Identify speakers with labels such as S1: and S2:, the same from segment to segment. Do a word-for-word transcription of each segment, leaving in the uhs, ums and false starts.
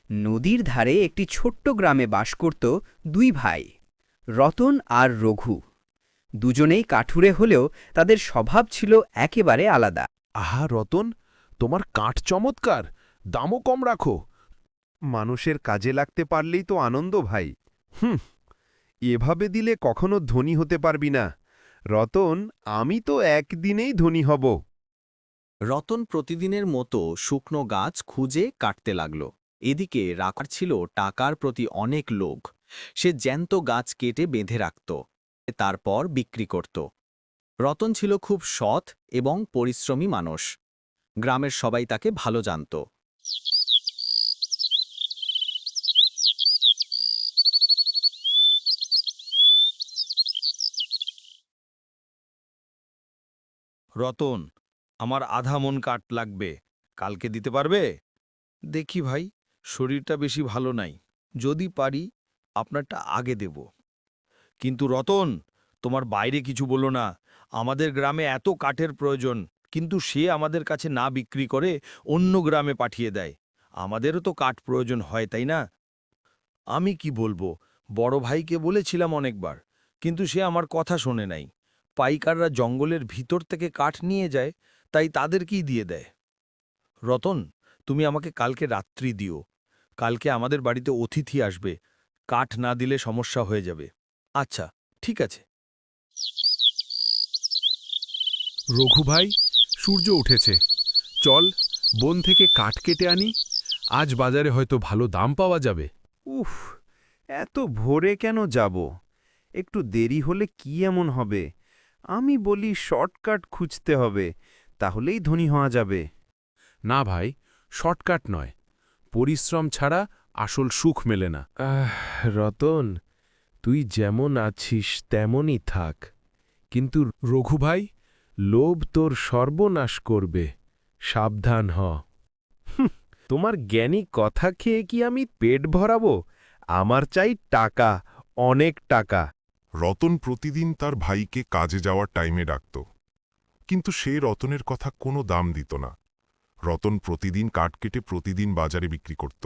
S1: নদীর ধারে একটি ছোট্ট গ্রামে বাস করত দুই ভাই, রতন আর রঘু। দুজনেই কাঠুরে হলেও তাদের স্বভাব ছিল একেবারে আলাদা।
S2: আহা রতন, তোমার কাঠ চমৎকার, দামও কম রাখো।
S3: মানুষের কাজে লাগতে পারলেই তো আনন্দ ভাই। হুম, এভাবে দিলে কখনো ধনী হতে পারবি না। রতন, আমি তো একদিনেই ধনী হব।
S4: রতন প্রতিদিনের মতো শুকনো গাছ খুঁজে কাটতে লাগল। এদিকে রাখার ছিল টাকার প্রতি অনেক লোভ। সে জ্যান্ত গাছ কেটে বেঁধে রাখত, তারপর বিক্রি করত। রতন ছিল খুব সৎ এবং পরিশ্রমী মানুষ। গ্রামের সবাই তাকে ভালো জানত।
S2: রতন, আমার আধা মন কাঠ লাগবে, কালকে দিতে পারবে? দেখি ভাই, শরীরটা বেশি ভালো নাই, যদি পারি আপনারটা আগে দেব। কিন্তু রতন, তোমার বাইরে কিছু বলো না। আমাদের গ্রামে এত কাঠের প্রয়োজন, কিন্তু সে আমাদের কাছে না বিক্রি করে অন্য গ্রামে পাঠিয়ে দেয়। আমাদেরও তো কাঠ প্রয়োজন হয়, তাই না? আমি কি বলবো, বড় ভাইকে বলেছিলাম অনেকবার, কিন্তু সে আমার কথা শোনে নাই। পাইকাররা জঙ্গলের ভিতর থেকে কাঠ নিয়ে যায়, তাই তাদেরকেই দিয়ে দেয়। রতন, তুমি আমাকে কালকে রাত্রি দিও। কালকে আমাদের বাড়িতে অতিথি আসবে, কাঠ না দিলে সমস্যা হয়ে যাবে। আচ্ছা, ঠিক আছে।
S5: রঘু ভাই, সূর্য উঠেছে, চল বন থেকে কাঠ কেটে আনি। আজ বাজারে হয়তো ভালো দাম পাওয়া যাবে।
S3: উফ, এত ভোরে কেন যাব? একটু দেরি হলে কি এমন হবে? আমি বলি শর্টকাট খুঁজতে হবে, তাহলেই ধনী হওয়া যাবে।
S5: না ভাই, শর্টকাট নয়, পরিশ্রম ছাড়া আসল সুখ মেলে না।
S6: আহ রতন, তুই যেমন আছিস তেমনই থাক, কিন্তু
S5: রঘু ভাই,
S6: লোভ তোর সর্বনাশ করবে, সাবধান হ।
S3: তোমার জ্ঞানী কথা খেয়ে কি আমি পেট ভরাবো? আমার চাই টাকা, অনেক টাকা।
S7: রতন প্রতিদিন তার ভাইকে কাজে যাওয়ার টাইমে ডাকত, কিন্তু সে রতনের কথা কোনো দাম দিত না। রতন প্রতিদিন কাঠ কেটে প্রতিদিন বাজারে বিক্রি করত।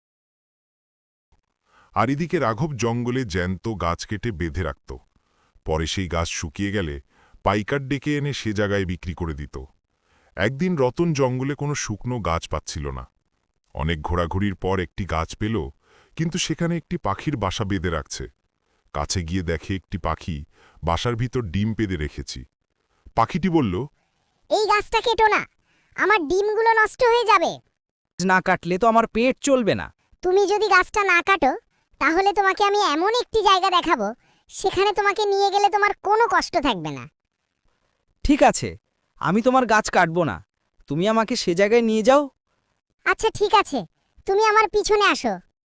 S7: আর এদিকে রাঘব জঙ্গলে জ্যান্ত গাছ কেটে বেঁধে রাখত। পরে সেই গাছ শুকিয়ে গেলে পাইকার ডেকে এনে সে জায়গায় বিক্রি করে দিত। একদিন রতন জঙ্গলে কোনো শুকনো গাছ পাচ্ছিল না। অনেক ঘোরাঘুরির পর একটি গাছ পেল, কিন্তু সেখানে একটি পাখির বাসা বেঁধে রাখছে। কাছে গিয়ে দেখে একটি পাখি বাসার ভিতর ডিম পেড়ে রেখেছি। পাখিটি বলল,
S8: এই গাছটা কেটো না, আমার ডিমগুলো নষ্ট হয়ে যাবে।
S1: না কাটলে তো আমার পেট চলবে না।
S8: তুমি যদি গাছটা না কাটো, তাহলে তোমাকে আমি এমন একটি জায়গা দেখাবো, সেখানে তোমাকে নিয়ে গেলে তোমার কোনো কষ্ট থাকবে না।
S1: ঠিক আছে, আমি তোমার গাছ কাটব না, তুমি আমাকে সে জায়গায় নিয়ে যাও।
S8: আচ্ছা ঠিক আছে, তুমি আমার পিছনে আসো।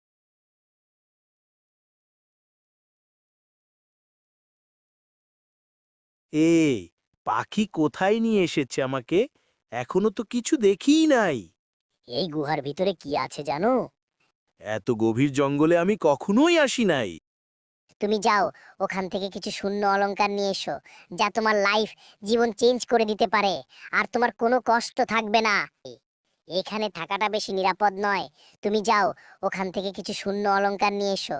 S9: এই পাখি কোথায় নিয়ে এসেছে আমাকে? এখনো তো কিছু দেখিই নাই।
S8: এই গুহার ভিতরে কি আছে জানো?
S9: এত গভীর জঙ্গলে আমি কখনোই আসি নাই।
S8: তুমি যাও, ওখান থেকে কিছু শূন্য অলংকার নিয়ে এসো, যা তোমার লাইফ, জীবন চেঞ্জ করে দিতে পারে, আর তোমার কোনো কষ্ট থাকবে না। এখানে থাকাটা বেশি নিরাপদ নয়। তুমি যাও, ওখান থেকে কিছু শূন্য অলংকার নিয়ে এসো।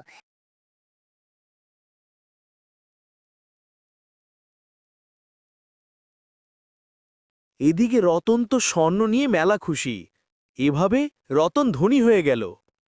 S9: এদিকে রতন তো স্বর্ণ নিয়ে মেলা খুশি। এভাবে রতন ধনী হয়ে গেল।